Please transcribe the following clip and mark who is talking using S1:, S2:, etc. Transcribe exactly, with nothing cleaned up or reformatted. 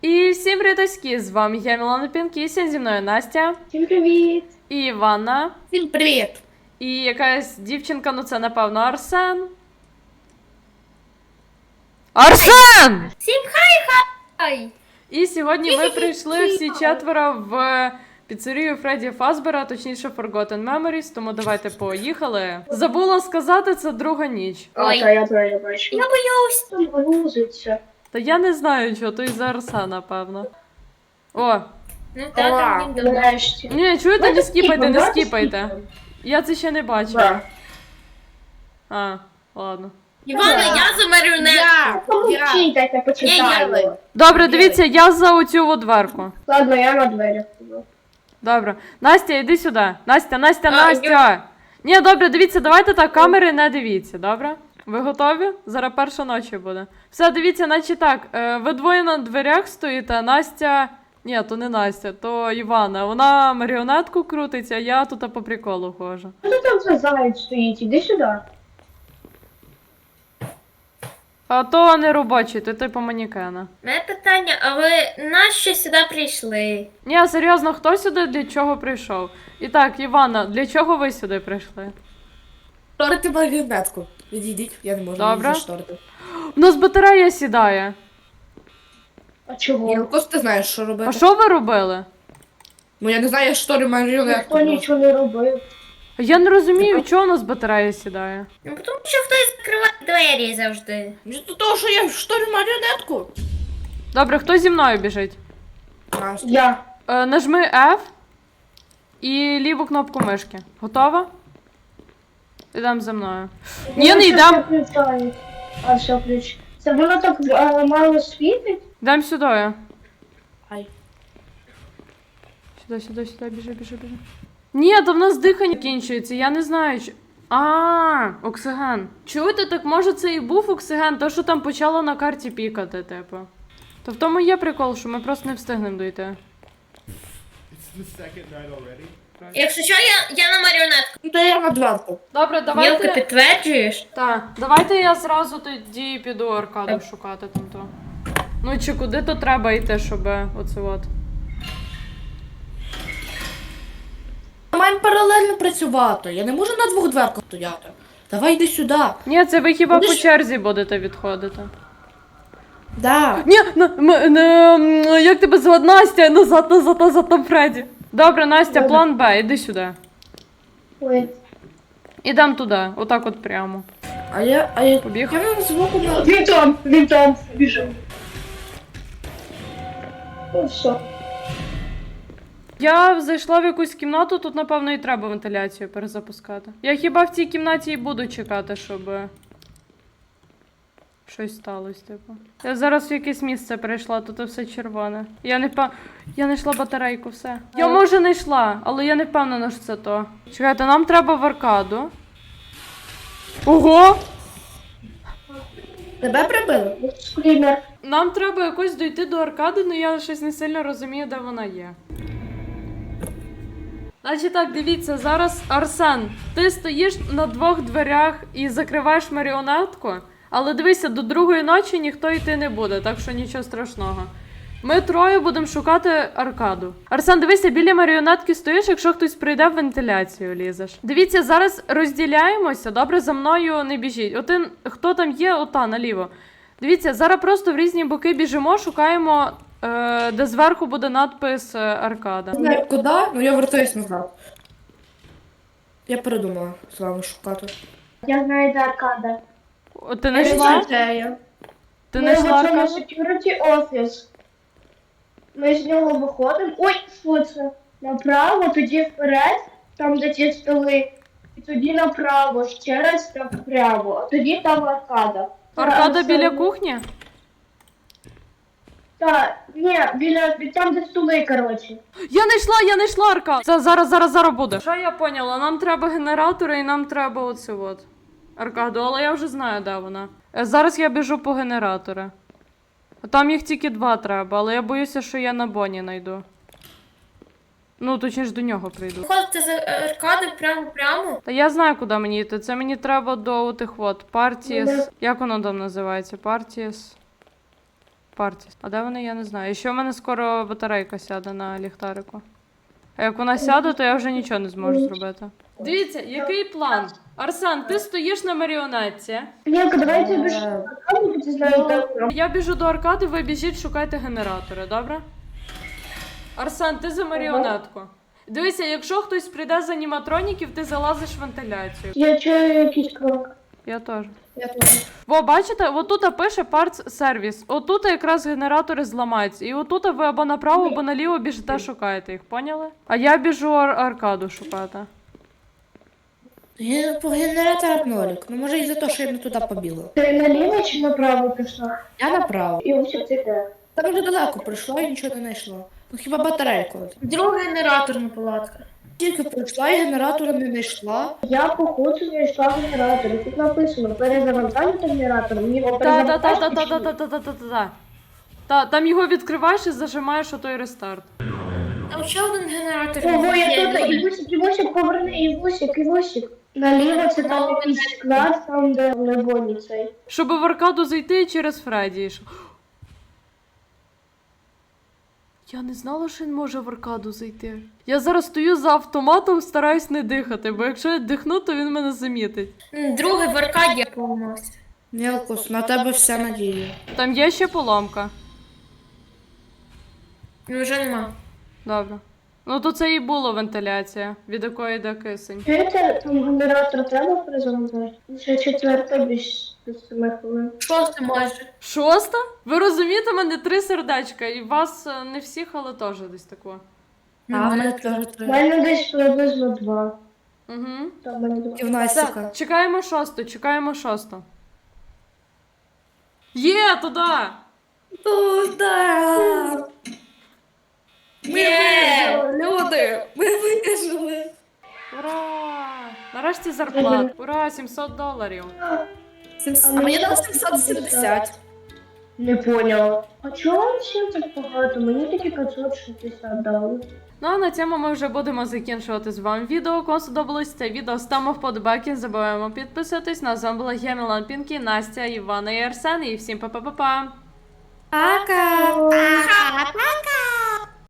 S1: І всім привітоські, з вами я, Мілана Пінкісін, зі мною Настя.
S2: Всім привіт!
S1: І Іванна.
S3: Всім привіт!
S1: І якась дівчинка, ну це напевно Арсен. Арсен!
S3: Всім хай-хай!
S1: І сьогодні ми прийшли всі четверо в піцерію Фредді Фазбера, точніше Forgotten Memories, тому давайте поїхали. Забула сказати, це друга ніч.
S2: А,
S3: Ой.
S2: та я твоя бачу.
S3: Я боюсь!
S2: Там грузиться.
S1: Та я не знаю, чого, то із-за Арсена, напевно. О,
S3: Ну та там він давно.
S2: Нарешті.
S1: ні, чуєте, не
S2: Давайте
S1: скіпайте, не
S2: давайте
S1: скіпайте.
S2: скіпаємо.
S1: Я це ще не бачила.
S2: Да.
S1: А, ладно.
S3: Івана,
S2: Да.
S3: я за маріонетку!
S2: Помовчіть, дайте
S3: Ні,
S2: почитаю.
S3: я-
S1: Добре, дивіться, я за оцю от дверку.
S2: Ладно, я на дверях буду.
S1: Добре. Настя, йди сюди. Настя, Настя,
S3: А,
S1: Настя. Ні, добре, дивіться, давайте так, камери не дивіться, добре? Ви готові? Зараз перша ночі буде. Все, дивіться, наче так. е, Ви двоє на дверях стоїте, Настя. Ні, то не Настя, то Івана. Вона маріонетку крутиться, а я тут по приколу ходжу.
S2: Що там за заяць стоїть? Іди сюди.
S1: А то не робочий, то типу манікена.
S3: Мене питання, а ви нащо сюди прийшли?
S1: Ні, серйозно, хто сюди для чого прийшов? І так, Івана, для чого ви сюди прийшли?
S4: Шторити маріонетку. Відійдіть, я не можу
S1: Добре.
S4: її зашторити.
S1: У нас батарея сідає.
S2: А
S4: Ні,
S2: чого?
S4: ну просто ти знаєш, що робити.
S1: А що ви робили?
S4: Ну я не знаю, я шторю маріонетку.
S2: Ніхто нічого не робив.
S1: Я не розумію, чого у нас батарея сідає.
S3: Ну тому що хтось закриває двері завжди.
S4: До того, що я шторю маріонетку.
S1: Добре, хто зі мною біжить?
S4: Настя.
S2: Я.
S1: Е, нажми F і ліву кнопку мишки. Готова? Ідемо за мною. Ні,
S2: Воно
S1: не
S2: щось
S1: йдемо.
S2: включає. А, все, ключ. Це воно так е, мало світить?
S1: Йдемо сюди.
S4: Ай.
S1: Сюди, сюди, сюди, біжи, біжи, біжи. Ні, то в нас дихання кінчується, я не знаю. Чи... А, оксиген. Чуєте, так може це і був оксиген, то що там почало на карті пікати, типу. То в тому є прикол, що ми просто не встигнемо дойти.
S5: It's the second night already.
S3: Якщо що, я, я на маріонетку.
S4: Ну то я на дверку.
S1: Добре,
S3: Мілка,
S1: давайте.
S3: підтверджуєш?
S1: Так, давайте я зразу тоді піду аркаду шукати там то. Ну чи куди то треба йти, щоб оце от.
S4: Ми маємо паралельно працювати. Я не можу на двох дверках стояти. Давай йди сюди.
S1: Ні, це ви хіба
S4: Куди
S1: по
S4: ж-
S1: черзі будете відходити.
S4: Да.
S1: Ні, на, м, не, м, як тебе звати? Настя, назад, назад, назад, там Фредді. Добре, Настя,
S2: Добре.
S1: план Б, іди сюди.
S2: Ой.
S1: Ідем туди, отак от прямо.
S4: А я, а я,
S1: Побіг.
S4: я не звуку на...
S2: Він там, він там. Біжу. Ну все.
S1: Я зайшла в якусь кімнату, тут, напевно, і треба вентиляцію перезапускати. Я хіба в цій кімнаті і буду чекати, щоб щось сталося, типу. Я зараз в якесь місце прийшла, тут все червоне. Я не впев... Я не йшла батарейку, все. Я, може, не йшла, але я не впевнена, що це то. Чекайте, нам треба в аркаду. Ого!
S4: Тебе прибили?
S2: Скрімер.
S1: Нам треба якось дойти до аркади, але я щось не сильно розумію, де вона є. Значить так, дивіться, зараз Арсен, ти стоїш на двох дверях і закриваєш маріонетку, але дивися, до другої ночі ніхто йти не буде, так що нічого страшного. Ми троє будемо шукати аркаду. Арсен, дивися, біля маріонетки стоїш, якщо хтось прийде в вентиляцію лізеш. Дивіться, зараз розділяємося, добре, за мною не біжіть. Один, хто там є, ота, наліво. Дивіться, зараз просто в різні боки біжимо, шукаємо, е, де зверху буде надпис е, аркада.
S4: Не знаю куди, ну я вертаюсь назад. Я передумала з вами шукати.
S2: Я знаю, де аркада.
S1: О, ти не йшла? Ти не
S2: Ми
S1: йшла
S2: в цьому
S1: аркаду?
S2: security office. Ми з нього виходимо. Ой, що це? Направо, тоді вперед, там де ті столи. І тоді направо, ще раз так вправо. А тоді там аркада.
S1: Аркада
S2: Та,
S1: біля
S2: це-
S1: кухні?
S2: Так, ні, біля там, де столи, коротше.
S1: Я не йшла, я не йшла аркаду. Це зараз, зараз, зараз буде. Що я поняла? Нам треба генератори і нам треба оце от. Аркаду, але я вже знаю, де вона. Е, Зараз я біжу по генератори. Там їх тільки два треба, але я боюся, що я на Боні знайду. Ну, точніше, до нього прийду.
S3: Ходите за аркади прямо-прямо?
S1: Та я знаю, куди мені йти. Це мені треба до отих от. Партіс.
S2: Ну,
S1: Як воно там називається? Партіс. Партіс. А де вони, я не знаю. І ще в мене скоро батарейка сяде на ліхтарику. А як вона сяде, то я вже нічого не зможу зробити. Дивіться, який план? Арсен, ти стоїш на маріонетці.
S2: Ленка, давайте більше аркаду, бо ти знаєш, так.
S1: Я біжу до аркади, ви біжіть, шукайте генератори, добре? Арсен, ти за маріонетку. Дивися, якщо хтось прийде з аніматроніків, ти залазиш в вентиляцію.
S2: Я чую якийсь крок.
S1: Я теж.
S4: Я теж.
S1: Во, бачите, отут пише Parts Service. Отут якраз генератори зламаються. І отут ви або направо, або наліво біжите, шукаєте їх, поняли? А я біжу ар- аркаду шукати.
S4: Ген- По генераторах нолік. Ну може і за те, що я не туди побігла.
S2: Ти наліво чи направо пішла?
S4: Я направо.
S2: І ось ти де?
S4: Там вже далеко прийшла і нічого не знайшла. Ну хіба батарейку.
S3: Другий генераторна палатка.
S4: Тільки прийшла і генератора не знайшла.
S2: Я походу знайшла генератор. І тут написано перезавантажити генератор. Мені його перезавантажити.
S1: Та-та-та-та-та-та-та-та-та-та. Та, там його відкриваєш і зажимаєш отой рестарт.
S3: Там ще один генератор.
S2: Ого, я
S3: є.
S2: тут, Івусик, Івусик, поверни, Івусик, Івусик. Наліво це там якийсь склад, там де лебоні цей.
S1: Щоб в аркаду зайти через Фредді. йшов. Я не знала, що він може в аркаду зайти. Я зараз стою за автоматом, стараюсь не дихати, бо якщо я дихну, то він мене замітить.
S3: М, Другий в аркаді поламався.
S4: Мілкус, на тебе вся надія.
S1: Там є ще поломка.
S3: Ну вже нема.
S1: Добре. Ну то це і була вентиляція, від якої йде кисень.
S2: Чуєте, там генератор треба перезавантажити? Ще четверта більш з семи хвилин.
S3: Шосте майже.
S1: Шоста? Ви розумієте, в мене три сердечка, і вас е, не всіх, але теж десь тако.
S4: А в мене теж
S2: У
S4: три.
S2: мене десь приблизно два.
S1: Угу.
S2: Там в мене два.
S4: І в Настіка.
S1: Так, чекаємо шосту, чекаємо шосту. Є, туди!
S4: Туда! Ми
S3: Є!
S4: вижили, люди! Ми вижили!
S1: Ура! Нарешті зарплата. Ура, сімсот доларів.
S4: А мені дали сімсот сімдесят.
S2: Не поняла. А чого вам всім так багато? Мені тільки п'ятсот шістдесят дали.
S1: Ну а на цьому ми вже будемо закінчувати з вами відео. Кому сподобалось це відео, ставимо вподобайки, не забуваємо підписатись. На з вами була я, Мілан Пінкі, Настя, Івана і Арсен. І всім па-па-па-па!
S4: Пока!
S3: Пока!